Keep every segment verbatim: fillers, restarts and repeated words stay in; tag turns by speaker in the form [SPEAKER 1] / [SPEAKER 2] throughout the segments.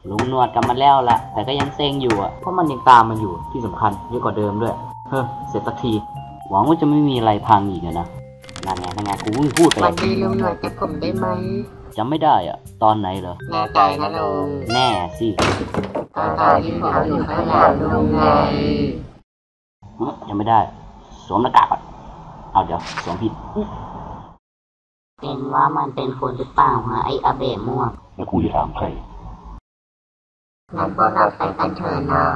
[SPEAKER 1] ลุงหนวดกลับมาแล้วแหละแต่ก็ยังเซ็งอยู่อ่ะเพราะมันยังตามมาอยู่ที่สำคัญเยอะกว่าเดิมด้วยเฮ้อเสร็จสักทีหวังว่าจะไม่มีอะไรพังอีกนะนั่นไงนั่นไงกูเพิ่งพูดไป
[SPEAKER 2] วันดีลุงหนวดจะผมได้ไหม
[SPEAKER 1] จำไม่ได้อ่ะตอนไหนเหรอ
[SPEAKER 2] แน่ใจนะลุง
[SPEAKER 1] แน่สิ
[SPEAKER 2] ตอนตอนที่ผมอยู่ข้างหลังลุงไง
[SPEAKER 1] ยังไม่ได้สวมหน้ากากก่อนเอาเดี๋ยวสวมผิด
[SPEAKER 2] เป็นว่ามันเป็นคนหรือเปล่าฮะไออาเบะม่วง
[SPEAKER 1] แล้วกูจะถามใคร
[SPEAKER 2] งั้นพวกเราไปกันเถอะนะ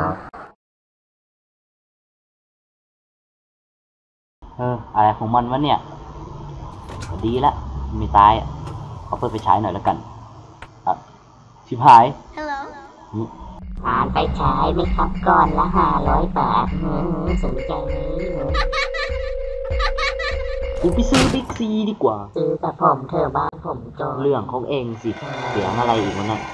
[SPEAKER 1] เอออะไรของมันวะเนี่ยดีละไม่ตายอ่ะเอาเปิดไปใช้หน่อยแล้วกันอ่ะชิบหาย
[SPEAKER 2] ผ่านไปใช้ไหมครับก่อนละห้าร้อยบาทสนใจไหม
[SPEAKER 1] กูไปซื้อบิ๊กซีดีกว่า
[SPEAKER 2] ซื้อแต่ผมเธอบ้านผมจน
[SPEAKER 1] เรื่องของเองสิเสียงอะไรอีกวะนั่น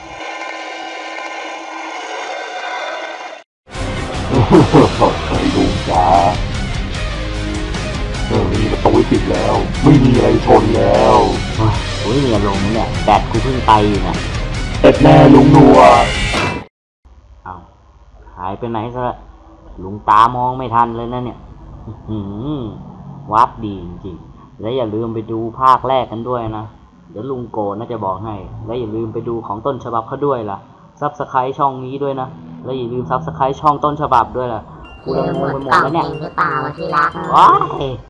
[SPEAKER 3] ไอ้ลุงจ๋าเรื่องนี้ประตูปิดแล้วไม่มีอะไรชนแล้ว
[SPEAKER 1] โอ้ยเนี่ยลงเนี่ยแบตกูเพิ่งไปอยู่นะ
[SPEAKER 3] เอ็ดแน่ลุงหนวด
[SPEAKER 1] เอาหายไปไหนซะลุงตามองไม่ทันเลยนะเนี่ยวัดดีจริงๆและอย่าลืมไปดูภาคแรกกันด้วยนะเดี๋ยวลุงโกน่าจะบอกให้และอย่าลืมไปดูของต้นฉบับเขาด้วยล่ะซับสไครต์ช่องนี้ด้วยนะและอย่าลืมซับสไครต์ช่องต้นฉบับด้วยล่ะกูละงงไปหมดแล้วเนี่ย
[SPEAKER 2] หรือเปล่าที่รัก
[SPEAKER 1] ว้าย